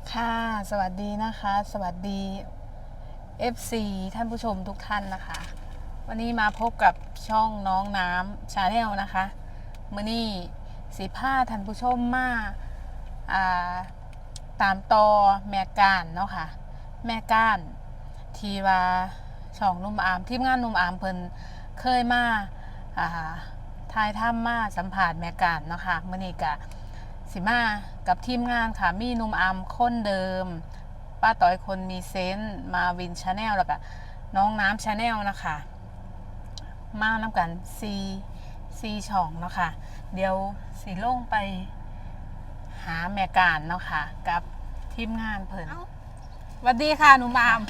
ค่ะสวัสดีนะคะสวัสดี FC ท่านผู้ชมทุกท่านนะคะ วันนี้มาพบกับช่องน้องน้ำชาแนลนะคะมื้อนี้สีผ้าท่านผู้ชมมาตามต่อแม่ก้านเนาะค่ะแม่ก้านทีว่าช่องนุ่มอามทีมงานนุ่มอามเพิ่นเคยมาทายถ้ำมาสัมผัสแม่ก้านเนาะค่ะมื้อนี้กะสิมากับทีมงานค่ะมีนุ่มอามคนเดิมป้าต้อยคนมีเซนต์มาวินชาแนลแล้วก็น้องน้ำชาแนลนะคะมาน้ำกันซีช่องเนาะค่ะเดี๋ยวสีลงไปหาแม่การเนาะค่ะกับทีมงานเพิ่นสวัสดีค่ะนุ่มอาม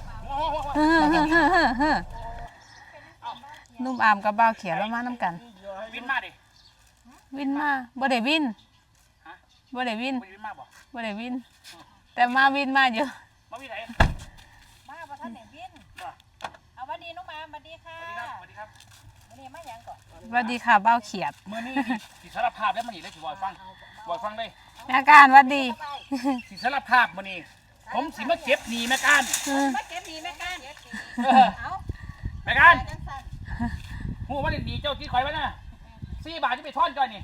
นุ่มอามกับบ่าวเขียวแล้วมาน้ำกันวินมาดิวินมาบ่ได้วินบ่ได้วินบ่ได้วินแต่มาวินมาอยู่มาวินไหนมาประทันไหนวินเอาวันดีน้องมาสวัสดีค่ะสวัสดีครับวันนี้มาอย่างก่อนสวัสดีค่ะบ่าวเขียดเมื่อนี้สิสารภาพแล้วมันนี่ได้สิบอยฟังได้แม่การสวัสดีสิสารภาพมื่อนี้ผมสิมาเก็บหนีแม่การมาเก็บหนีแม่การเอาแม่การหูว่าหนีเจ้าที่คอยไว้นะ4 บาทจะไปทอนก่อนนี่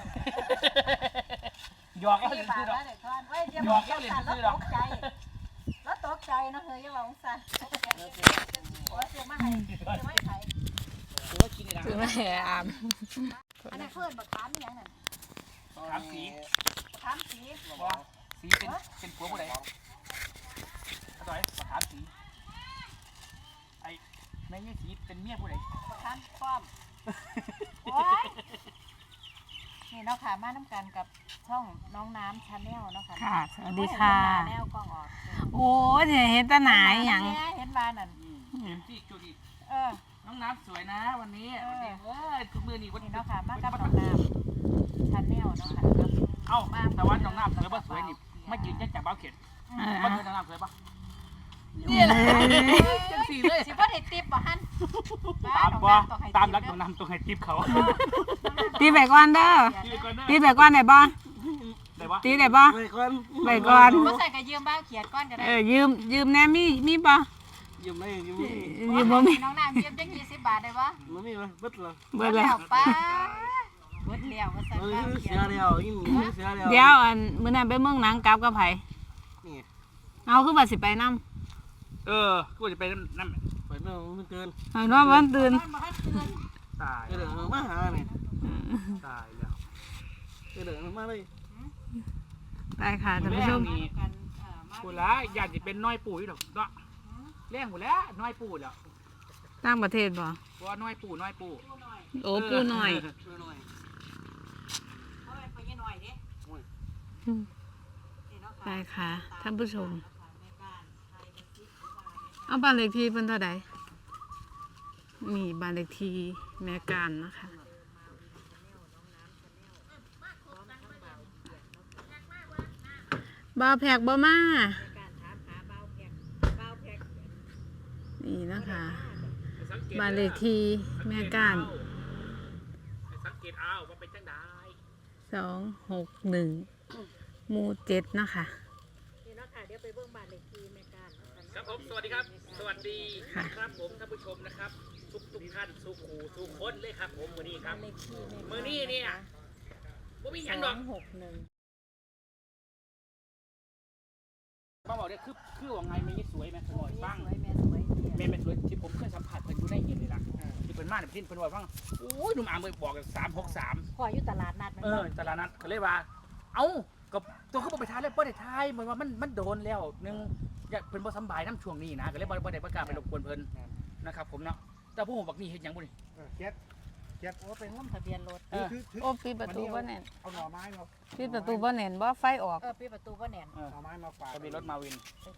หยอกแล้วเล่นซื้อดอกหยอกแล้วเล่นซื้อดอกแล้วตกใจนะเฮ้ยอย่าบอกสั่นโอ้ยเสียมาให้ไข่ถือไม่อามอันนั้นเพื่อนบักขามยังนั่นถามสีสีเป็นผัวผู้ใดต่อยถามสีไอ้แม่ยี่สีเป็นเมียผู้ใดบักขามป้อมโอ้ยนี่เนาะค่ะมาน้ำกันกับช่องน้องน้ำชาแนลเนาะค่ะค่ะสวัสดีค่ะแนวกล้องออกโอ้ยเห็นตาหนาอย่างเห็นบ้านนั่นที่จุดีน้องน้ำสวยนะวันนี้คือมือนี่วันนี้เนาะค่ะมากับน้องน้ำชาแนลเนาะค่ะเอ้าแต่ว่าน้องน้ำสวยป่ะสวยนี่ไม่ยืนยันจากบ้าเข็ดว่าน้องน้ำสวยป่ะนี่แหละจังสีเลยสิว่าได้ติ๊บป่ะฮั่นตามรักน้องน้ำต้องให้ติ๊บเขาตีแบกก่อนเด้อตีแบกก่อนไหนบ้างตีไหนบ้างแบกก่อนบ่ใส่กระยืมบ้าเขียดก้อนก็ได้ยืมแน่มีป่ะยืมบ่มีน้องน้ำยืมจัง20 บาทได้ป่ะบ่มีมั้ยเบิดเลยป้าเบิดแล้วบ่ใส่บ้าเขียดเดี๋ยวอันมื้อนั้นไปเมืองหนังกลับกับไผเอาคือว่าสิไปนำกูจะไปนั่นไปเมื่อมันตื่นนอนวันตื่นตายเดี๋ยวมาหาเนี่ยตายแล้วเดี๋ยวมาเลยได้ค่ะท่านผู้ชมกูละอยากจะเป็นน้อยปู่อยู่ดอกเนาะเลี้ยงกูแล้วน้อยปู่แล้วต่างประเทศบ่ว่าน้อยปู่โอ้ปู่น้อยได้ค่ะท่านผู้ชมเอาบ้านเลขที่เพิ่นเท่าใดนี่บ้านเลขที่แม่การนะคะบ่าวแพกบ่มานี่นะคะบ้านเลขที่แม่การสังเกตเอาว่าเป็นจังได 261หมู่7นะคะนี่เนาะค่ะเดี๋ยวไปเบิ่งบ้านเลขที่แม่การครับผมสวัสดีครับสวัสดีครับผมท่านผู้ชมนะครับทุกท่านทุกคนเลยครับผมมื้อนี้ครับมื้อนี้เนี่ยบ่มีหยังดอกบอกเนี่ยคือว่าไงแม่สวยแม่สวยบ้างแม่สวยที่ผมเคยสัมผัสเพิ่นอยู่ในเห็นเลยล่ะที่เพิ่นมาเนี่ยเพิ่นว่าฟังโอ้ยหนุ่มอามบอกกัน363 พออยู่ตลาดนัดตลาดนัดก็เลยว่าเอ้ากับตัวเขาบอกไปทายเลยบ่ได้ทายเหมือนว่ามันโดนแล้วนึงอยากเพิ่นบ่สบายน้ำช่วงนี้นะก็เลยบ่ได้ประกาศไปรบกวนเพิ่นนะครับผมเนาะแต่ผู้ผมบักนี่เฮ็ดหยังบ่นี่เก็บโอ้เป็นงุ่มทะเบียนรถโอ้ปิดประตูบ่แน่นเอาหน่อไม้มาปิดประตูบ่แน่นบ่ไฟออกปิดประตูบ่แน่นหน่อไม้มาฝากทะเบียนรถมาวิน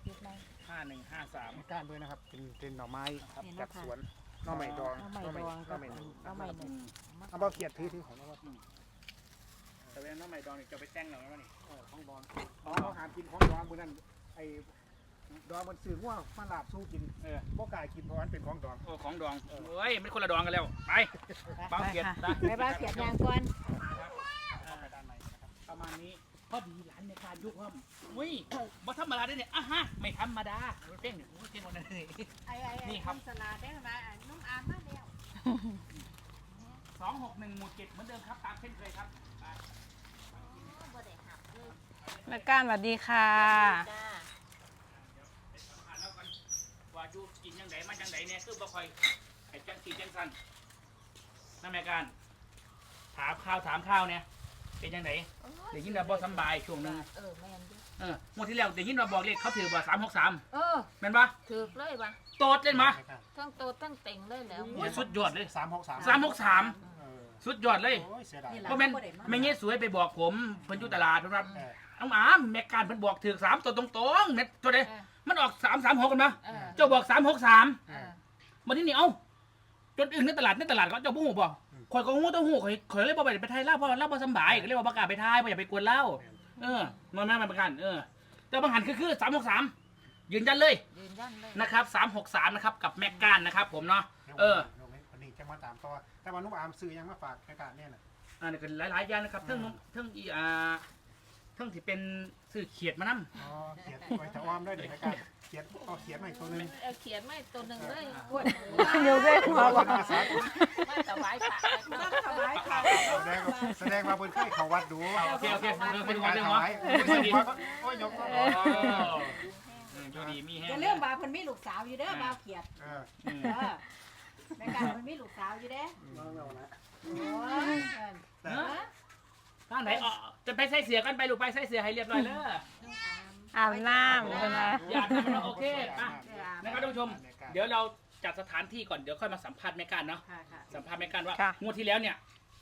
5153ก้านด้วยนะครับเป็นหน่อไม้ครับจากสวนหน่อไม้ดองหน่อไม้เอาเบาเขียดถือของเราแต่เป็นหน่อไม้ดองนี่จะไปแต่งหน่อไม้นี่ของดองเขาหากินของดองบนนั้นไอ้ดองมันสื่อว่ามาลาบสู้กินบ่กล้ากินเพราะมันเป็นของดองของดองเฮ้ยไม่คนละดองกันแล้วไปเบาเขียดไปเบาเขียดยางก่อนประมาณนี้พอดีหลานในการยุคว่าอุ้ยบ่ธรรมดาได้เนี่ยอ่ะฮะไม่ธรรมดาเพ่งเนี่ยเพ่งวันนั้นเลย นี่ครับสลาได้มาน้องอามมาแล้ว 261หมู่7เหมือนเดิมครับตามเช่นเคยครับบ่ได้หับเลยแม่ก้านสวัสดีค่ะจ้าอ่านแล้วกันว่าอยู่กินยังไงมาจังไดเนี่ยคือบ่ค่อยไอ้จังสีจังสันนั่นแม่การถามข้าวเนี่ยเป็นยังไงเดี๋ยวยินว่าบ่สำบายช่วงหนึงแม่นดิงวดที่แล้วเดี๋ยวยินว่าบอกเลขเขาถือว่า363แม่นปะถูกเลยปะโตดเล่นมาทั้งโตทั้งเต็งเลยแล้วโอ้ยสุดยอดเลย 363 สุดยอดเลยโอ้ยเสียดายเพราะแม่นแม่เงี้ยสวยไปบอกผมเพิ่นอยู่ตลาดเพิ่นว่าน้องอามแม่การเพิ่นบอกถือ3ตัวตรงๆเม็ดตัวใดมันออก336กันมาเจ้าบอก363มาที่นี่เอ้าจนอึ้งในตลาดเขาเจ้าบ่ฮู้บ่ข่อยก็ฮู้ต้องฮู้ข่อยเลยบ่ไปไทยลาวเพราะเราบ่สำบายก็เลยว่าบ่กล้าไปไทยบ่อยากไปกวนเล่ามันแม่นประกันแต่บางหันคือ363ยืนยันเลยยืนยันเลยนะครับ363นะครับกับแม็กการนะครับผมเนาะวันนี้จะมาตามต่อแต่ว่านุ่มอามซื้อยังมาฝากในการเนี่ยน่ะอันนี้ก็หลายๆอย่างนะครับเทั้งที่เป็นสื่อเขียดมานำอ๋อเขียนไว้แต่อ้อมได้เดี๋ยวในการเขียนเอาเขียนมาอีกตัวนึงเขียนไม่ตัวหนึ่งเลยอยู่ได้หัวบอกมาถวายพระมาถวายพระแสดงมาบนเคยเขาวัดดูโอเคไปดูการเรื่องถวะวายโอ้ยยกดูดีมีแฮจะเรื่องบาเพิ่นมีลูกสาวอยู่เด้อบาเขียดเออแม่การเพิ่นมีลูกสาวอยู่เด้โอ้ยทางไหนจะไปใส่เสียกันไปลูกไปใส่เสียให้เรียบร้อยเลยอาบน้ำใช่ไหมอย่าทำมันโอเคป่ะนะครับท่านผู้ชมเดี๋ยวเราจัดสถานที่ก่อนเดี๋ยวค่อยมาสัมภาษณ์แม่การเนาะค่ะค่ะสัมภาษณ์แม่การว่างวดที่แล้วเนี่ย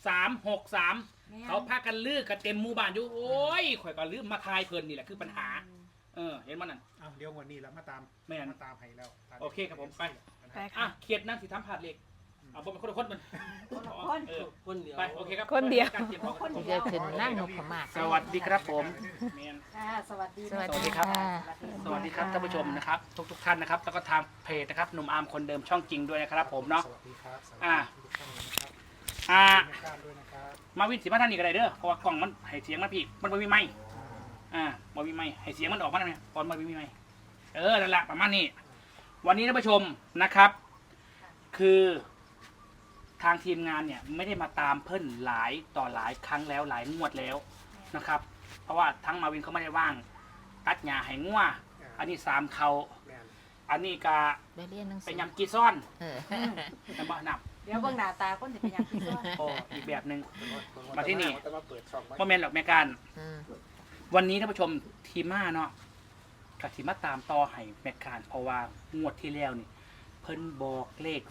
363เขาพากันลือกันเต็มหมู่บ้านอยู่โอ้ยข่อยก็ลืมมาทายเพลินนี่แหละคือปัญหาเห็นมันนั่นเอาเดี๋ยววันนี้แล้วมาตามมาตามให้แล้วโอเคครับผมไปไปค่ะเขียดนั่งสิทำผาดเหล็กเอาบ่เป็นคนละคนมันคนเดียวไปโอเคครับคนเดียวเดี๋ยวขึ้นนั่งนพมาศสวัสดีครับผมค่ะสวัสดีสวัสสวัสดีดีครับค่ะสวัสดีครับท่านผู้ชมนะครับทุกท่านนะครับแล้วก็ทางเพจนะครับหนุ่มอาร์มคนเดิมช่องจริงด้วยนะครับผมเนาะสวัสดีครับสวัสดีทุกท่านนะครับ ด้วยนะครับมาวินสีมาท่านนี่ก็ได้เด้อเพราะว่ากล่องมันให้เสียงมันพี่มันไม่มีไม้บ่มีไม้ให้เสียงมันออกมาได้ไหมตอนมันไม่มีไม้นั่นแหละประมาณนี้วันนี้ท่านผู้ชมนะครับ คือทางทีมงานเนี่ยไม่ได้มาตามเพิ่นหลายต่อหลายครั้งแล้วหลายงวดแล้วนะครับ เพราะว่าทั้งมาวินเขาไม่ได้ว่างตัดหญ้าให้งัวอันนี้3เขาอันนี้ก็ไปเรียนหนังสืเป็นอยำกีซ่อนเน้ำบ่นับเดี๋ยวเบิ่งหน้าตาคนสิเป็นหยังพี่ซ้อนโอ้อีกแบบหนึ่ง มาที่นี่มาเปิดช่องไว้บ่แม่นหรอกแม่การออวันนี้ท่านผู้ชมทีม่าเนาะกับทีมาตามต่อให้แม่การเพราะว่างวดที่แล้วนี่เพิ่นบอกเลข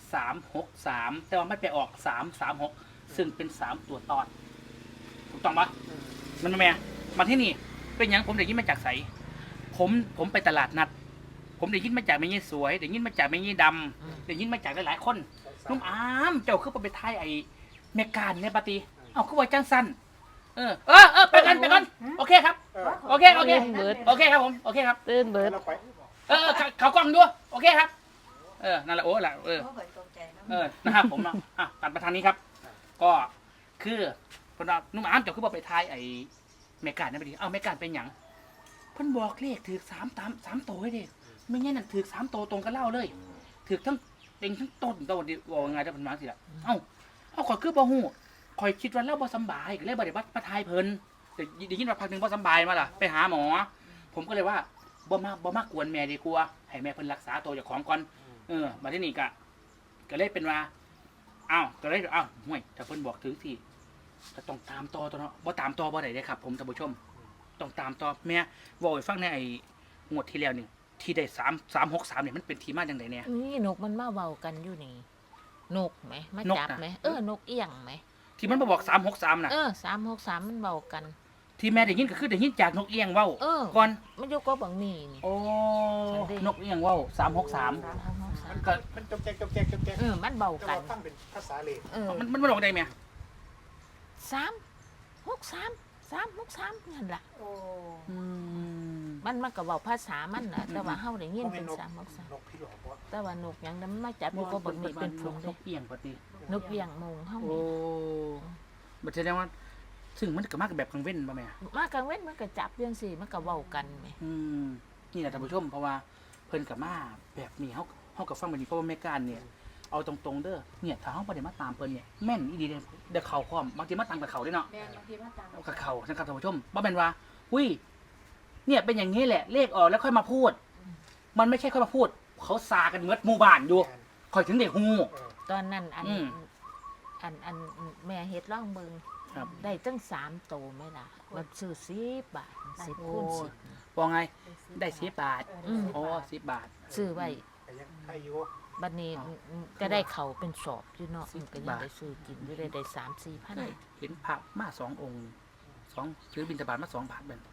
363แต่ว่าไม่ไปออก336ซึ่งเป็น3ตัวตอนถูกต้องปะมันแม่มาที่นี่เป็นหยังผมได้ยินมาจากไสผมไปตลาดนัด ผมได้ยินมาจากแม่ยี่สวยได้ยินมาจากแม่ยี่ดำได้ยินมาจากหลายๆคนนุ่มอามเจ้าคือไปทายไอ้แม่การในปาตีเอาคือว่าจังสั้นไปกันโอเคครับโอเคโอเคครับผมโอเคครับตื่นเบิดเราไปเขากล้องด้วยโอเคครับนั่นแหละโอ้ละโอ้ยตกใจนะนะครับผมเนาะตัดมาทางนี้ครับ ก็คือพนนุ่มอามเจ้าคือไปทายไอ้แม่การในปาตีเอาแม่การเป็นหยังเพิ่นบอกเลขถือ3ตัวให้เด็กไม่งั้นน่ะถือ3ตัวตรงกันเล่าเลยถือทั้งเต็งทั้งต้นตัวดีว่าไงจะเป็นมาสิล่ะเอาข่อยคือบ่ฮู้ข่อยคิดว่าเราบ่สำบายก็เลยบ่ได้มาทายเพิ่นแต่ได้ยินว่าพักนึงบ่สำบายมาล่ะไปหาหมอ ผมก็เลยว่าบ่มากวนแม่ดีกว่าให้แม่เพิ่นรักษาตัวเจ้าของก่อนมาที่นี่ก็เลยเป็นว่าก็เลยห่วยถ้าเพิ่นบอกถึงสิก็ต้องตามต่อตัวเนาะบ่ตามต่อบ่ได้เด้ครับผมท่านผู้ชมต้องตามต่อแม่เว้าให้ฟังในไอ้งวดที่แล้วนี่ที่ได้363เนี่ยมันเป็นที่มาจังได๋เนี่ยนี่นกมันมาเบากันอยู่นี่นกไหมมาจับไหมนกเอี้ยงไหมที่มันมาบอก363น่ะ 363มันเบากันที่แม่ได้ยินก็คือได้ยินจากนกเอี้ยงเว้าก่อนมันอยู่ก็บังนี่นี่โอ้นกเอี้ยงเว้า363มันก็มันจบแจกมันเบาจะกันฟังเป็นภาษาเลมันบอกได้ไหม 363นั่นล่ะโอ้มันก็เว้าภาษามันน่ะแต่ว่าเฮาได้ยินเป็น363 นกพี่หลอกว่าแต่ว่านกหยังนั้นมันมาจับอยู่ก็บังนี่เป็นฝูงนเด้กเอี้ยงปกตินกเอี้ยงมงเฮาโอ้นี่บัดแสดงว่าซึ่งมันก็มากแบบกลางเว้นป่ะแม่มากลางเว้นมันก็จับเรื่องสิมันก็เว้ากันแหมนี่แหละท่านผู้ชมเพราะว่าเพิ่นกับมาแบบนี้เฮากับฟังแบบนี้เพราะว่าแม่การเนี่ยเอาตรงๆเด้อเนี่ยถ้าเฮาบ่ได้มาตามเพิ่นเนี่ยแม่นอีดีเด้อเข้าพร้อมบางทีมาตามกับเขาเด้เนาะแม่นบางทีมันตามกับเขานะครับท่านผู้ชมบ่แม่นว่าอุ้ยเนี่ยเป็นอย่างนี้แหละเลขออกแล้วค่อยมาพูด มันไม่ใช่ค่อยมาพูด เขาซากันเมดหมู่บ้านอยู่ค่อยถึงได้ฮู้ตอนนั้นอันอืมอันแม่เฮ็ดร่องเบิงครับได้ตั้ง3โตไหมล่ะมันซื้อ10 บาท10คูณ10 ว่าไงได้10 บาทอืมอ๋อ10 บาทซื้อไว้แต่ยังใครอยู่บัดนี้ก็ได้เขาเป็นสอบอยู่เนาะมันก็ยังได้ซื้อกินอยู่ได้3-4 พันเห็นพระมา2 องค์2ถือบิณฑบาตมา2 บาทเบิ่น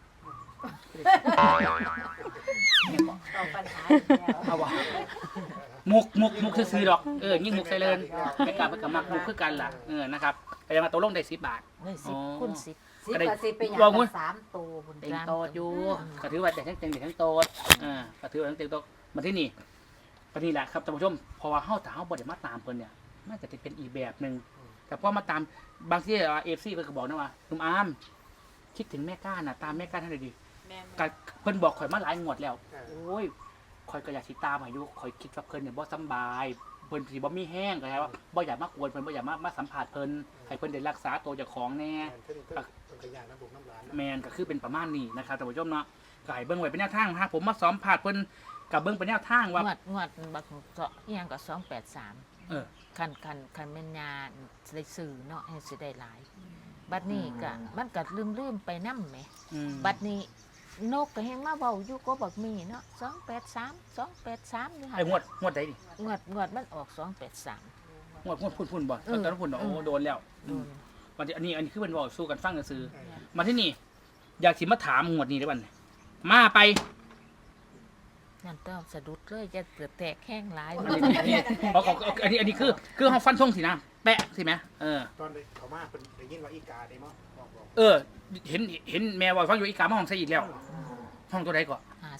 เอาปัญหาอีกแล้วเอาวะมุกซื้อๆดอกยิ่งมุกใส่เลินไม่กล้าไปกับมักมุกคือกันล่ะนะครับไปมาตกลงได้10 บาทได้อ๋อ 10คูณ10 สิบกับสิบเป็นอย่างลองมั้ละย 3ตัวพุ่นเต็งโตดอยู่ก็ถือว่าแต่ทั้งเต็งแต่ทั้งโตดก็ถือว่าทั้งเต็งโตดมาที่นี่ปนี่แหละครับท่านผู้ชมเพราะว่าเฮาถ้าเฮาบ่ได้มาตามเพิ่นเนี่ยมันจะเป็นอีกแบบนึงแต่พอมาตามบางทีFC เพิ่นก็บอกนะว่าลุงอามคิดถึงแม่ก้านน่ะตามแม่ก้านให้หน่อยดิแม่นก็เพิ่นบอกข่อยมาหลายงวดแล้วโอ้ยข่อยก็อยากสิตามให้อยู่ข่อยคิดว่าเพิ่นเนี่ยบ่สำบายเพิ่นสิบ่มีแห้งก็ใช่ว่าบ่อยากมากวนเพิ่นบ่อยากมาสัมภาษณ์เพิ่นให้เพิ่นได้รักษาตัวเจ้าของแน่เป็นขยะน้ำบุกน้ำร้านแมนก็คือเป็นประมาณนี้นะครับท่านผู้ชมเนาะก็ให้เบิ่งไว้เป็นแนวทางหากผมมาซ้อมผาดเพิ่นกับเบิ่งเป็นแนวทางว่างวดบักเจาะอีหยังก็283 เออคันแม่นยาได้ซื้อเนาะให้สิได้หลาย บัดนี้ก็มันก็ลืมไปนำแหม บัดนี้นกก็แฮงมาเว้าอยู่ก็บักมีเนาะ283อยู่หั่นไอ้งวดใดดิงวดมันออก283 งวดพุ่นบ่เออตอนนั้นพุ่นโอ้โดนแล้วโดนวันนี้อันนี้คือเพิ่นเว้าสู้กันฟังซื่อๆมาที่นี่อยากสิมาถามงวดนี้ได้บัดมาไปนั่นต้องสะดุดเลยจะเกิดแตกแห้งหลายอันนี้อันนี้คือเฮาฟันธงสินะแปะสิแม่ตอนเขามาเป็นได้ยินว่าอีกาได้มั้งเห็นแม่ว่าฟังอยู่อีกามาห้องใส่อีกแล้วห้องตัวใดก่อน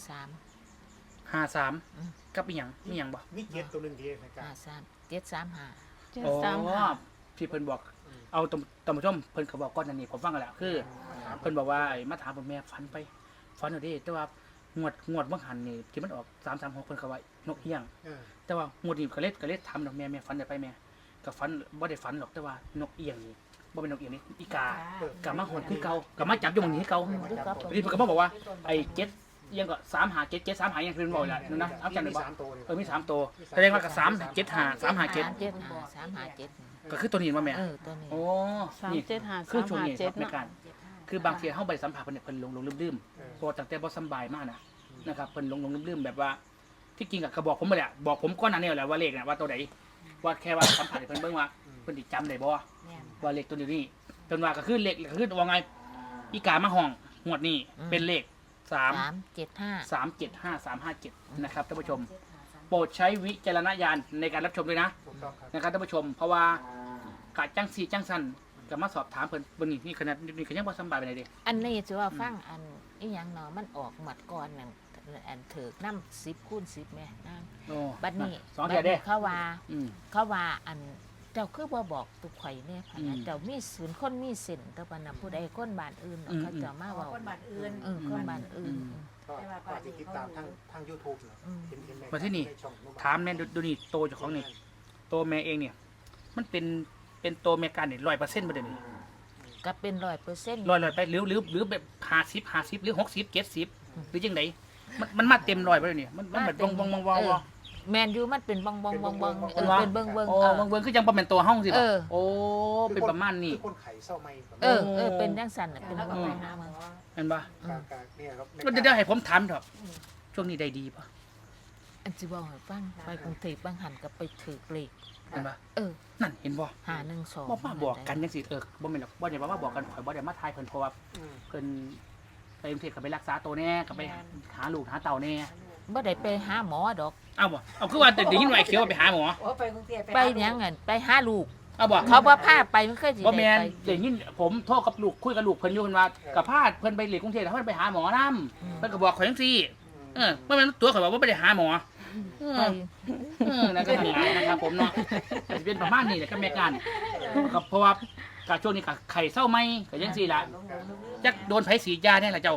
53 53กับอีหยังมีหยังบ่มีเกียรติตัวหนึ่งที่ในการ 53 735 อ๋อที่เพิ่นบอกเอาตำผู้ชมเพิ่นก็บอกก่อนอันนี้ผมฟังกันแล้วคือเพิ่นบอกว่ามาถามผมแม่ฝันเอาดิแต่ว่างวดบ่หันนี่ที่มันออก336เพิ่นก็ว่านกเอี้ยงแต่ว่างวดนี้ก็เล็ดถามดอกแม่ฝันได้ไปแม่ก็ฝันบ่ได้ฝันหรอกแต่ว่านกเอี้ยงนี่บ่เป็นนกเอี้ยงนี่อีกากลับมาหอนคือเก่ากลับมาจับอยู่หม้องนี้คือเก่าทีนี้เพิ่นก็มาบอกว่าไอ้7เอี้ยงก็357 735ยังเพิ่นบอกแหละนั่นนะเอาจำได้บ่ 3 ตัวเนี่ยมี3ตัวแสดงว่าก็375 357 357 ก็คือตัวนี้ว่าแม่ตัวนี้โอ้ 375 นี่คือช่วงนี้ครับ 357 ในการคือบางทีเฮาไปสัมผัสเพิ่นเนี่ยเพิ่นลงลืมๆเพราะตั้งแต่บ่สำบายมากนะครับเพิ่นลงลืมๆแบบว่าที่จริงก็บอกผมไปแหละบอกผมก่อนหน้านี้แหละว่าเลขน่ะว่าตัวใดว่าแค่ว่าสัมผัสให้เพิ่นเบิ่งว่าเพิ่นสิจำได้บ่ว่าเลขตัวนี้เพิ่นว่าก็คือเลขก็คือว่าไงอีกามาห้องงวดนี้เป็นเลข3753557นะครับท่านผู้ชม โปรดใช้วิจารณญาณในการรับชมด้วยนะถูกต้องครับนะครับท่านผู้ชมเพราะว่ากะจังสีจังสันก็มาสอบถามเพิ่นบนนี่ขนาดนี่ก็ยังบ่สำบายไปไหนเด้อันนี้จะว่าฟังอันอีหยังเนาะมันออกหมัดก่อนนั่นอันถือกน้ำ10คูณ10แม่นางโอ้บัดนี้ 2เทื่อเด้เขาว่าอืมอันเจ้าคือบ่บอกตุกข่อยเนี่ยพะนะเจ้ามีศูนย์คนมีเส้นแต่ว่าน่ะผู้ใดคนบ้านอื่นเนาะเขาเจะมาเอาเว้าคนบ้านอื่นคนบ้านอื่นก็ที่ติดตามทาง YouTube เนาะเห็นแม่มาที่นี่ในช่องถามแม่ดูนี่โตเจ้าของนี่โตแม่เองเนี่ย มันเป็นโตแม่การนี่100%บ่ได้นี่ก็เป็น100% 100ไปหรือแบบ50หรือ60 70หรือจังไดมันมาเต็ม100บ่ได้นี่มันแบบวงแมนยูมันเป็นบองเป็นเบิ่งโอ้เบิ่งคือจังบ่แม่นตัวเฮาสิบ่เออโอ้เป็นประมาณนี้คือคนไข่เศร้าไม่เป็นจังซั่นน่ะเป็นแล้วก็เบิ่งไปหาหมอแม่นบ่เนี่ยครับเดี๋ยวให้ผมถามเถอะช่วงนี้ได้ดีป่ะอันสิบอกให้ฟังไปกรุงเทพบางหันก็ไปถือเลขเห็นป่ะ นั่นเห็นบ่ 512 บ่มาบอกกันจังซี่บ่แม่นหรอกบ่ได้ว่าบอกกันข่อยบ่ได้มาทายเพิ่นเพราะว่าเพิ่นไปกรุงเทพก็ไปรักษาตัวแน่ก็ไปหาลูกหาเต่าแน่บ่ได้ไปหาหมอดอกเอาบ่เอาคือว่าได้ยินว่าไอ้เขียวว่าไปหาหมอโอ้ไปกรุงเทพไปหยังไปหาลูกเอาบ่เขาบ่พาไปมันเคยสิบ่แม่นได้ได้ยินผมโทรกับลูกคุยกับลูกเพิ่นอยู่เพิ่นว่ากับพาเพิ่นไปเรียนกรุงเทพแล้วเพิ่นไปหาหมอนำเพิ่นก็บอกข่อยจังซี่บ่แม่นตัวข่อยว่าบ่ได้หาหมอไปนั่นก็ทำงานนะครับผมเนาะจะเป็นประมาณนี้แหละก็แม่การก็เพราะว่าก็ช่วงนี้ก็ไข่เศร้าไหมก็ยังสี่ละจักโดนไผสีดยาเนี่ยล่ะเจ้า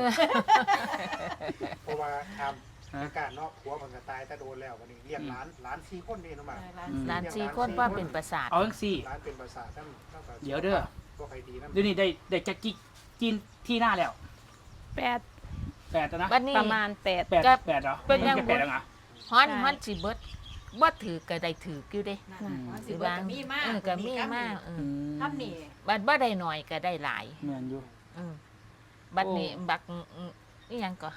เพราะว่าทำการเนาะผัวมันก็ตายถ้าโดนแล้ววันนี้เรียกร้าน4คนนี่เนาะมาหลาน4คนว่าเป็นประสาทเอาจังซี่ร้านเป็นภาษาทั้งก็เดี๋ยวเด้อบ่ใครดีนะเดี๋ยวนี้ได้จักกินที่หน้าแล้วแปด 8แล้วนะบัดนี้ประมาณแปด 8 ก็ 8เหรอเป็นยังแปดแล้วเหรอฮ้อนสิเบิดบ่ถือก็ได้ถืออยู่เด้สิเบิดก็มีมากก็มีมากทำนี่บัดบ่ได้หน่อยก็ได้หลายเหมือนอยู่บัดนี้บักอีหยังก็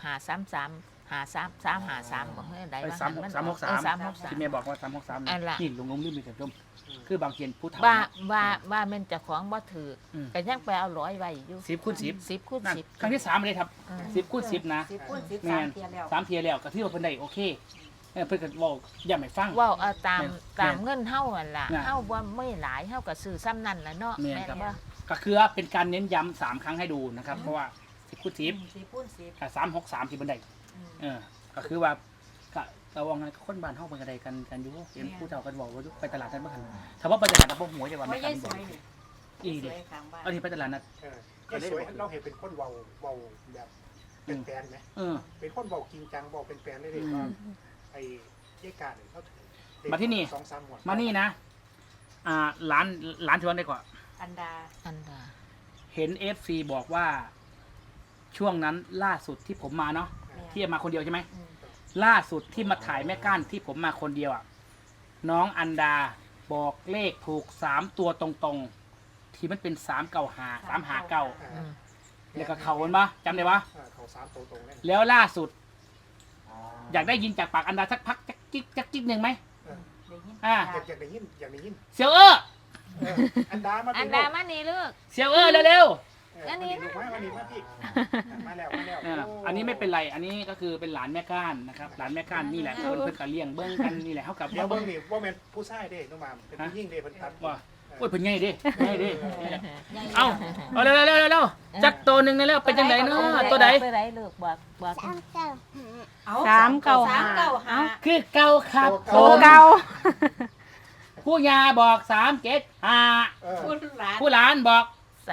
533บ่เฮ้ยได้ไอ้ว่า 363ที่แม่บอกว่าอันละ 363นี่ลงลืมไปแต่ชมคือบางเขียนผู้เฒ่าว่าแม่นเจ้าของบ่ถือ ก็ยังไปเอาร้อยไว้อยู่ 10คูณ10 10คูณนั่น 10 ครั้งที่3เลยครับ10คูณ10นะ 10คูณ10 แม่น 3เทียแล้ว 3เทียแล้วก็ถือว่าเพิ่นได้โอเคเพิ่นก็เว้าย้ำให้ฟังเว้าเอาตามแม่นตามเงินเฮานั่นล่ะน่ะเฮาบ่ไม่หลายเฮาก็ซื้อซ้ำนั่นล่ะเนาะแม่นแม่นครับบ่ก็คือเป็นการเน้นย้ำ3ครั้งให้ดูนะครับเพราะว่า10คูณ10 10คูณ10 กับ363ที่บันไดก็คือว่าก็ระวังกันคนบ้านเฮาเป็นกระไดกันอยู่เห็นผู้เฒ่ากันบอกว่าไปตลาดนั้นบ่ทันถ้าว่าไปตลาดนั้นบ่หัวจะว่าบ่ไม่ยาทัยนสบ่วยนี่อีสเด้วยข้างบ้านเอาที่ไปตลาดนัดสวยเราเห็นเป็นคนเว้าแบบเป็นแฟนไหม เป็นคนเว้าจริงจังเว้าเป็นแฟนเลยเด้ว่าไอ้ยายการเขา2-3หมวดมานี่นะร้านที่ว่าได้ก่อนอันดาอันดาเห็น FC บอกว่าช่วงนั้นล่าสุดที่ผมมาเนาะที่มาคนเดียวใช่ไหมล่าสุดที่มาถ่ายแม่ก้านที่ผมมาคนเดียวอ่ะน้องอันดาบอกเลขถูก3ตัวตรงๆที่มันเป็น395 359แล้วก็เขามันปะจำได้ปะเขา3ตัวตรงเลยแล้วล่าสุด อยากได้ยินจากปากอันดาสักพักจักกิ๊กหนึ่งไหมได้ยินอยากได้ยินเซียวอันดามาอันดามานี่ลูกเซียวเร็วอันนี้มาพี่มาแล้วอันนี้ไม่เป็นไรอันนี้ก็คือเป็นหลานแม่ก้านนะครับหลานแม่ก้านนี่แหละเพิ่นก็เลี้ยงเบิ้งกันนี่แหละเท่ากับเดี๋ยวเบิ่งนี่ว่าแม่นผู้ชายเด้น้องมามเป็นผู้หญิงเด้เพิ่นตัดว่าโอ้ยเพิ่นใหญ่เด้เอาเร็วจักตัวหนึ่งแล้วเป็นจังไดเนาะตัวใดตัวใดลูกบอกเอา 395 คือเก่าครับโตเก่าผู้ยาบอก375 ผู้หลานบอก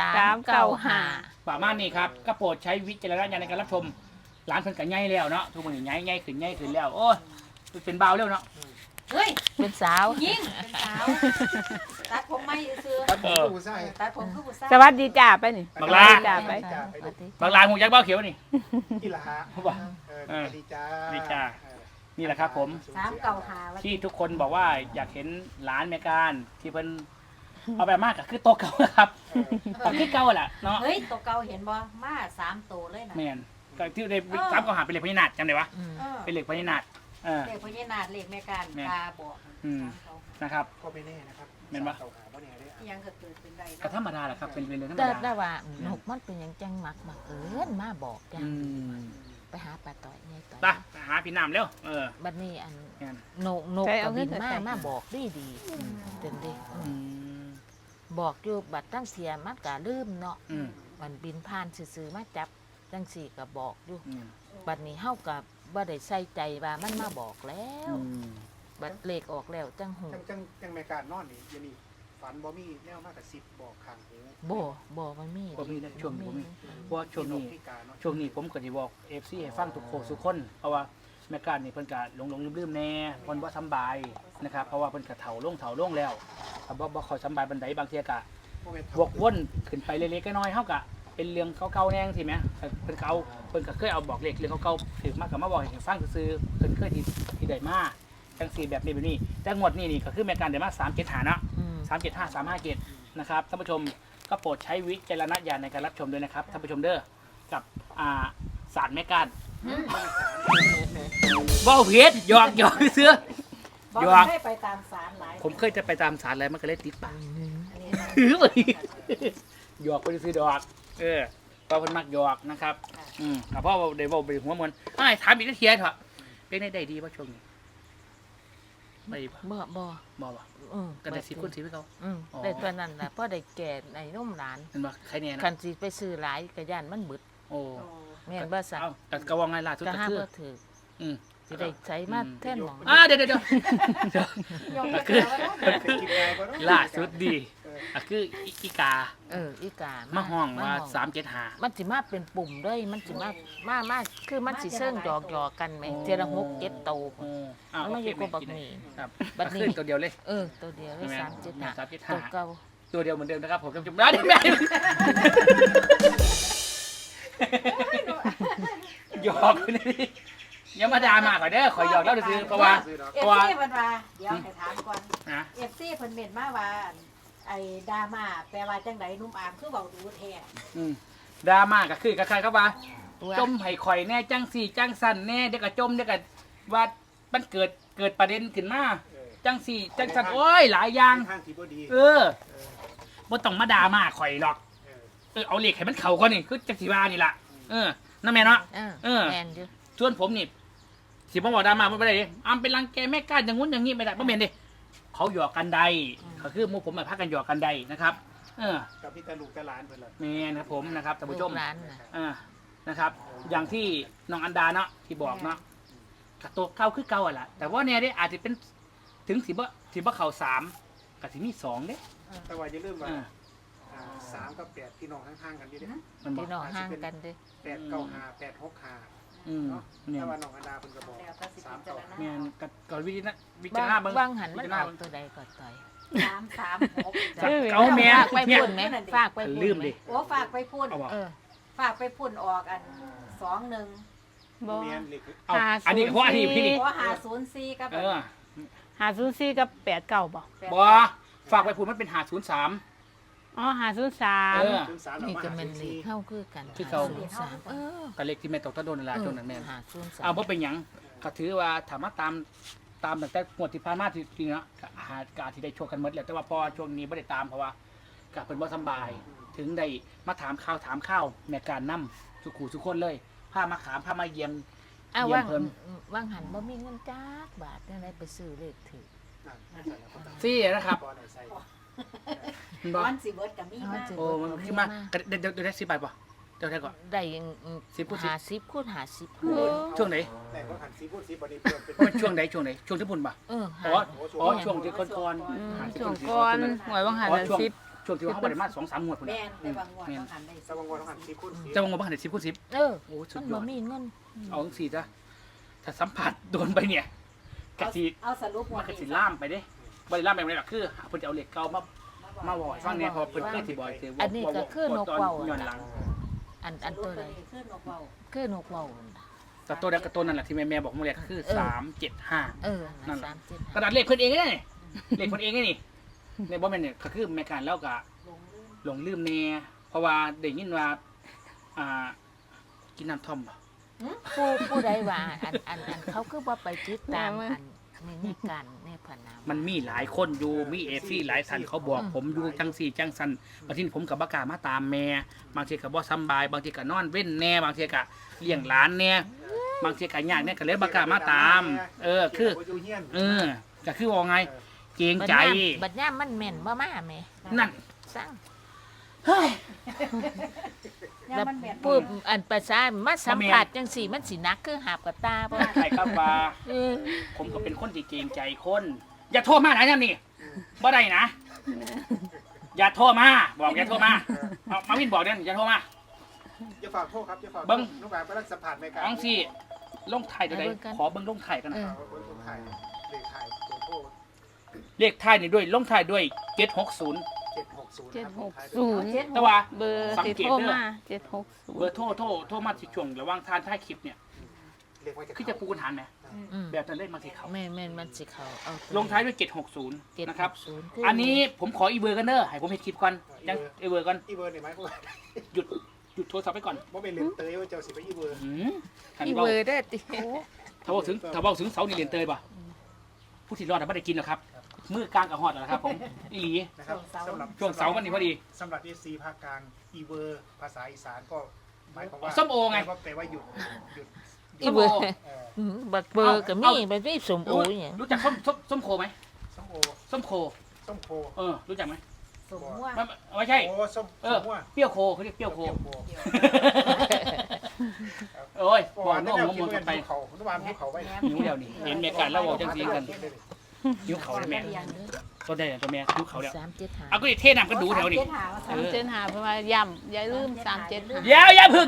395 ประมาณนี้ครับก็โปรดใช้วิจารณญาณในการรับชมร้านเพิ่นก็ใหญ่แล้วเนาะทุกคนนี่ใหญ่ขึ้นแล้วโอ้ยเป็นเบาเร็วเนาะเฮ้ยเป็นสาวยิงเป็นสาวตัดผมไม่ซื้อตัดผู้ชายตัดผมคือผู้ชายสวัสดีจ้าไปนี่บักลาจ้าไปบางร้านหูยักษ์เบ้าเขียวนี่กีฬาบอกดีจ้านี่แหละครับผม 395 ที่ทุกคนบอกว่าอยากเห็นร้านแมการที่เพิ่นเอาแบบมากก็คือโต๊ะเก่านะครับก็คือเก่าแหละเนาะเฮ้ยตัวเก่าเห็นบ่มา3ตัวเลยนะแม่นก็ที่ได้ซ้ำก็หาเป็นเหล็กพญานาคจำได้ปะเป็นเหล็กพญานาคเลขพญานาคเลขแม่การตาบอกนะครับก็ไม่แน่นะครับเก่าหาบ่แน่เด้ยังก็เกิดเป็นได้ก็ธรรมดาแหละครับเป็นเรื่องธรรมแต่ดาได้ว่านกมันเป็นหยังจังมักเอิ้นมาบอกจังไปหาปลาต่อยไงต่อยไปหาพี่น้ำเร็วบัดนี้อันแม่นนกก็บินมาบอกดีจนดิบอกอยู่บัดตั้งเสียมันก็ลืมเนาะมันบินผ่านซื่อๆมาจับจังสี่ก็บอกอยู่บัดนี้เฮาก็บ่ได้ใส่ใจว่ามันมาบอกแล้วบัดเลขออกแล้วจังหูจังแม่การนอนนี่ยนี่ฝันบ่มีแนวมากกับ10บอกข้างหูบ่มันมีบ่มีนะช่วงนี้บ่มีเพราะว่าช่วงนี้ผมก็สิบอก FC ให้ฟังทุกคนเพราะว่าแม่การนี่เพิ่นก็หลงลืมๆแน่เพิ่นบ่สำบายนะครับเพราะว่าเพิ่นก็เฒ่าลงแล้วบ่ค่อยสำบายบันไดบางเที่ยก็วกวนขึ้นไปเล็กๆน้อยๆเฮาก็เป็นเรื่องเก่าๆแน่จังซี่แหมเพิ่นก็เคยเอาบอกเลขเรื่องเก่าๆถึงมาก็มาบอกให้ฟังซื่อๆเพิ่นเคยที่ได้มาจังซี่แบบนี้แต่งวดนี้ก็คือแม่การได้มา375เนาะ375 357นะครับท่านผู้ชมก็โปรดใช้วิจารณญาณในการรับชมด้วยนะครับท่านผู้ชมเด้อกับศาสตร์แม่การว้าวเพชรหยอกเสื้อหยอกให้ไปตามศาลหลายผมเคยจะไปตามศาลอะไรมันก็เลยติดปากอันนี้หยอกไปซื้อดอกเพราะเพิ่นมักหยอกนะครับแต่พ่อได้บอกไปหัวมันถามอีกทีเถอะเป็นได้ดีป่ะช่วงนี้ไม่ดีป่ะบ่บ่กันได้10 คน10ให้เขาได้ตัวนั้นน่ะพอได้แก่ในนมหลานเห็นป่ะใครเนี่ยนะคันสิไปซื้อหลายก็ย่านมันบึดโอ้แม่นบ่ซะแต่กระวังไงล่ะทุกก็กระหาทืบบ่ถือสิได้ใช้มาแท่นหมองเดี๋ยวยกให้คือเขาแล้วล่าสุดดีคืออีกาอีกามามาห้องว่าห้อง 375 มันสิมาเป็นปุ่มเลยมันสิมาคือมันสิเชิงหยอกกันไหมเทยละ6 7โตวโอ้อ้าวมันมาอยู่กับบักหมี่ครับบัดนี้ขึ้นตัวเดียวเลยตัวเดียวเลยใช่ไหม 375 375 ตัวเก่าตัวเดียวเหมือนเดิมนะครับผมจุ๊บๆได้ไหมหยอกนี่อย่ามาด่ามาก่อนเด้อขอหยอกแล้วซื้อเพราะว่าเอฟซีเพิ่นว่าเดี๋ยวให้ถามก่อนนะเอฟซีเพิ่นเม่นมาว่าไอ้ดราม่าแปลว่าจังไดนุ่มอามคือเว้าดูแท้ดราม่าก็คือกับใครครับว่าตัวจมให้ข่อยแน่จังสี่จังสั่นแน่เด็กก็จมเด็กก็ว่ามันเกิดประเด็นขึ้นมาจังสี่จังสั่นโอ้ยหลายอย่างทางที่บ่ดีบ่ต้องมาด่ามาข่อยหรอกเอาเหล็กให้มันเข่าก่อนนี่คือจังสีว่านี่ล่ะนั่นแม่เนาะแมนอยู่ส่วนผมนี่สิบ่บอกด่ามาไม่ได้ดิอำเป็นรังแกแม่ก้านอย่างงู้นอย่างงี้ไม่ได้บ่แม่นดิเขาหยอกกันใดก็คือหมู่ผมมาพากันหยอกกันใดนะครับกับพี่ตาลูกตาหลานเพิ่นล่ะแม่นะครับผมนะครับท่านผู้ชมลูกหลานน่ะนะครับ อย่างที่น้องอันดาเนาะที่บอกเนาะกระโตเก่าคือเก่าอ่ะล่ะแต่ว่าเนี่ยได้อาจจะเป็นถึงสิบ่เข่า3กับสิมี2เด้แต่ว่าอย่าลืมว่าอ่า 3กับ8พี่น้องห่างๆกันอยู่เด้มันบอกพี่น้องห่างกันเด้ 895 865 อืมเนาะเนี่ยแต่ว่าน้องอันดาเพิ่นก็บอกแล้วก็สิพิจารณาแม่นก็วิจารณาเบิ่งวางหันมันออกตัวใดก็ต่อย 336 เอาแม่ฝากไปเนี่ยพุ่นไหมฝากไปพุ่นลืมดิโอ้ฝากไปพุ่นเอาบอกฝากไปพุ่นออกอัน21 บ่เมียนเลขเอาอันนี้เพราะอันนี้พี่นี่โอ้504กับ 504กับ89บ่บ่ฝากไปพูดมันเป็น503 อ๋อเออ 503 ถึง3 นี่ก็แมันเลขเข้าคือกันคือเก่า 503 กับเลขที่แม่ตกตะโดนนั่นล่ะช่วงนั้นแม่น 503 เอาบ่เป็นหยังก็ถือว่าถามว่าตามตั้งแต่งวดที่ผ่านมาที่เนาะก็อาจสิได้โชคกันหมดแหละแต่ว่าพอช่วงนี้บ่ได้ตามเพราะว่าก็เพิ่นบ่สำบาย ถึงได้มาถามข่าวแม่การนำสุขุสุคนเลยพามาขามพามาเยี่ยมอ้าวเยี่ยว่ามเพิ่นว่างหันบ่มีเงินจักบาทจังไดไปซื้อเลขถือซี่นะครับบ่ได้ใส่เห็นบ่วันสิเบิดก็มีมาโอ้มันขึ้นมาเดี๋ยวได้10บาทบ่เดี๋ยวได้ก่อนได้ 10คูณ10 50คูณ50 ช่วงไหนแต่ก็หัน10พูด10บ่ได้เพิ่มเป็นมันช่วงไหนช่วงที่พุ่นบ่ อ๋อช่วงที่ก่อนๆช่วงก่อนหวยบางหันอ๋อน่ะช่วง 10 ช่วงที่ว่าเขาบ่ได้มา2-3งวดพุ่นแม่น่ะนแต่บางงวดต้องหันได้สว่างวันหัน10พูด10 แต่ว่าบ่ทันได้10คูณ10 โอ้สุมัดนยบ่อดมีเงินเอาจังซี่จ้ะถ้าสัมผัสโดนไปเนี่ยกะสิเอาสรุปมันกะสิล่ามไปเด้บ่ได้ล่ามไปบ่ได้หรอกคือเพิ่นจะเอาเหล็กเก่ามาบ่อยฟังเนี่ยพอเพิ่นเคยสิบ่อยคืออันนี้ก็คือนกเว้าย้อนหลังอันตัวใดขึ้นออกเบาคือนกเว้าแต่ตัวนั้นกับตัวนั้นแหละที่แม่บอกมาเรียกคือ375 นั่นกระดาษเลขเพิ่นเองนี่เลขเพิ่นเองนี่ในบ่แม่นเนี่ยก็คือแม่การแล้วก็ลงลื่นหลงลืมแน่เพราะว่าได้ยินว่ากินน้ำท่อมบ่ผู้ใดว่าอันเขาคือว่าไปติดตามอันในการในพนามมันมีหลายคนอยู่มีเอฟซีหลายท่านเขาบอกผมอยู่จังสี่จังสันบางทีผมกับบ่กล้ามาตามแม่บางทีก็บ่สำบายบางทีก็นอนเว้นแน่บางทีก็เลี้ยงหลานแน่บางทีก็ยากแน่ก็เลยบ่กล้ามาตามคือก็คือว่าไงเกรงใจบัดย่ามมันแม่นบ่มาแม่นั่นสั่งย่าแล้วมันแม่นปุ๊บอันประสามาสัมผัสจังสี่มันสินักคือหาบกับตาบ่ใครครับว่าผมก็เป็นคนที่เกรงใจคน อย่าโทรมาไหนนั่นนี่บ่ได้นะ อย่าโทรมาบอกอย่าโทรมาเอามาวินบอกเด่นอย่าโทรมาอย่าฝากโทษครับอย่าฝากเบิ่งน้องแบบกำลังสัมผัสในการอังสี่ลงไทายตัวใดขอเบิ่งลงไทายกันนะเอาเบิ่งคนไทยเลขไทยตัวโทษเลขไทายนี่ด้วยลงไทายด้วย760 760 แต่ว่าเบอร์สังติดเกตโทรเด้อมาเบอร์โทรมาที่ช่วงระหว่างทานท้ายคลิปเนี่ยเลขไว้จะคือจะปูกันหันไหมอืมแบบนั้นเลขมาที่เขาแม่นมันสิเขาเอาลงท้ายด้วย760นะครับ 760 อันนี้ผมขออีเบอร์กันเด้อให้ผมเห็นคลิปก่อนยังอีเบอร์ก่อนอีเบอร์นี่ไหมพวกหยุดโทรศัพท์ไปก่อนบ่เป็นเลนเตยว่าเจ้าสิไปอีเบอร์หันอีเบาเบอร์ได้ติถ้าบอกถึงเสานี่เรียนเตยป่ะผู้ที่รอดไม่ได้กินหรอกครับมือกลางกับหอดแล้วครับผมอีหลีนะครับสำหรับช่วงเสาร์วันนี้พอดีสำหรับ FC ภาคกลางอีเบอร์ภาษาอีสานก็หมายความว่าส้มโอไงแปลว่าหยุดอีเบอร์บักเบอร์ก็มีบัดมีสมโอหยังรู้จักส้มโคไหมส้มโอส้มโคส้มโครู้จักไหมสมมั่วไม่ใช่โอ้ส้มม่วเปรี้ยวโคเขาเรียกเปรี้ยวโคโอ้ยโอ้บอกอันน้นี้องเรามกินองกักัน นไปเขาน้ำมันภูเขาไว้หิวเดียวนี่เห็นเมียกันแล้วบอกจังสีกันหิวเขาเลยแม่ตัวใดตัวแม่ดูเขาแล้ว 375 เอาก็ดิเทน้ำก็ดูแถวนี้เจ็ดหาว่าเออ 375เพราะว่าย่ำอย่าลืม375 อย่าพึ่ง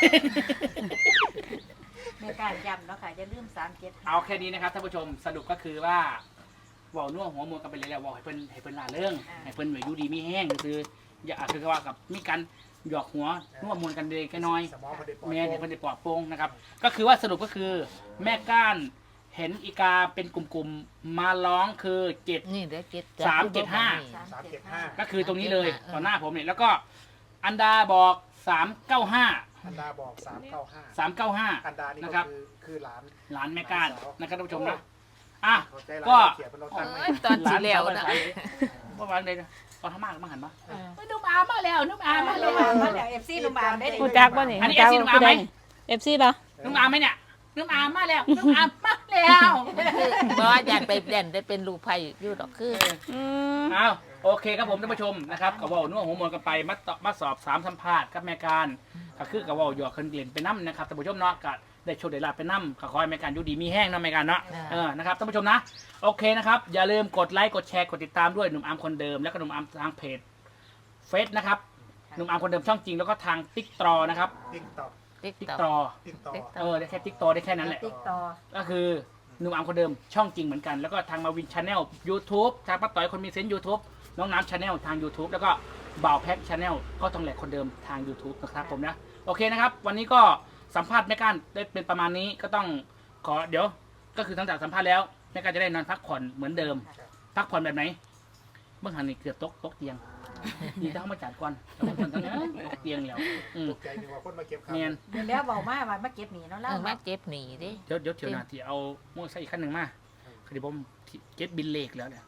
แม่การย้ำเนาะค่ะอย่าลืม37 เอาแค่นี้นะครับท่านผู้ชมสรุปก็คือว่าเว่านัวหัวมวลกันไปเลยแล้วว่าให้เพิ่นลาเรื่องให้เพิ่นอยู่ดีมีแห้งคืออย่าคือว่ากับมีการหยอกหัวนัวมวลกันเด็กน้อยสมองมันได้ปล่อยแม่ให้เพิ่นได้ปลอดโปร่งนะครับก็คือว่าสรุปก็คือแม่ก้านเห็นอีกาเป็นกลุ่มๆมาร้องคือ7 นี่เด้อ7 375 ก็คือตรงนี้เลยต่อหน้าผมเนี่ยแล้วก็อันดาบอก395 อันดาบอก395 395 อันดานี่นะคก็รับคือหลานหลานแม่ก้านนะครับท่านผู้ชมนะอ่ะเข้าใจหลานก็เขียนเป็นรถตั้งไหมตอนสิแล้วนะเมื่อวานเลยนะตอนทำมากมาหันปะเออนุ่มอามาแล้วนุ่มอามามาแล้แล้ว วมาแล้ว FC ลุงบามได้ดิกูจักบ่นี่อันนี้ FC นุ่มอามไหม FC ป่ะนุ่มอาไหมเนี่ยนุ่มอามาแล้วนุ่มอามาแล้วบ่ว่าอยากไปเด่นได้เป็นลูกไผ่อยู่ดอกคืออืมเอาโอเคครับผมท่านผู้ชมนะครับกับว่านัวหัวมวลกันไปมาสอบ3สัมภาษณ์กับแม่การก็คือกับว่าหยอกคนเรียนไปน้ำนะครับท่านผู้ชมเนาะก็ได้โชว์ได้ลาบไปน้ำก็ขอให้แม่การอยู่ดีมีแห้งเนาะแม่การเนาะนะครับท่านผู้ชมนะโอเคนะครับอย่าลืมกดไลค์กดแชร์กดติดตามด้วยหนุ่มอาร์มคนเดิมแล้วก็หนุ่มอาร์มทางเพจเฟซนะครับหนุ่มอาร์มคนเดิมช่องจริงแล้วก็ทางติ๊กตรอนะครับติ๊กต็อกติ๊กติ๊กตอตรอติ๊กต็อกได้แค่ติ๊กตรอได้แค่นั้นแหละติ๊กต่อก็คือหนุ่มอาร์มคนเดิมช่องจริงเหมือนกันแล้วก็ทางมาวินชาแนล YouTube ทางป้าต่อยคนมีเซนต์ YouTube น้องน้ำชาแนลทาง YouTube แล้วก็บ่าวแพ็กชาแนลก็ต้องแหลกคนเดิมทาง YouTube นะครับผมนะโอเคนะครับวันนี้ก็สัมภาษณ์แม่ก้านได้เป็นประมาณนี้ก็ต้องขอเดี๋ยวก็คือตั้งแต่สัมภาษณ์แล้วแม่ก้านจะได้นอนพักผ่อนเหมือนเดิม พักผ่อนแบบไหนเมื่อหันนี่เกือบตกเตียงดีถ้าเขามาจัดก่อนแล้วมันทั้งนั้นตกเตียงแล้วอืมตกใจนึกว่าคนมาเก็บข้าวเนียนเดี๋ยวแล้วเว้ามาว่ามาเก็บหนีเนาะเอแล้วอมาเจ็บหนีดิเดี๋ยวเที่ยวหน้าที่เอาโม่ใส่อีกขั้นหนึ่งมาคือเดี๋ยวผมเก็ตบินเลขแล้วเนี่ย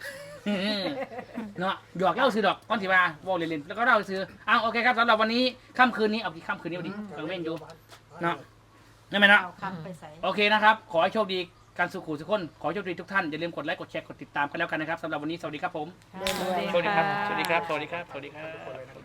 เนาะหยอกเล่าซื้อดอกก้อนที่ว่าว่าเล่นๆแล้วก็เล่าซื้ออ้าวโอเคครับสำหรับวันนี้ค่ำคืนนี้เอากี่ค่ำคืนนี้วันนี้กลางเว้นอยู่เนาะนั่นไหมเนาะเอาคำไปใส่โอเคนะครับขอให้โชคดีการสุขุสุขคนขอให้โชคดีทุกท่านอย่าลืมกดไลค์กดแชร์กดติดตามกันแล้วกันนะครับสำหรับวันนี้สวัสดีครับผมสวัสดีสวัสดีครับค่ะสวัสดีครับสวัสดีครับสวัสดีครัทุกคนเลยบนะ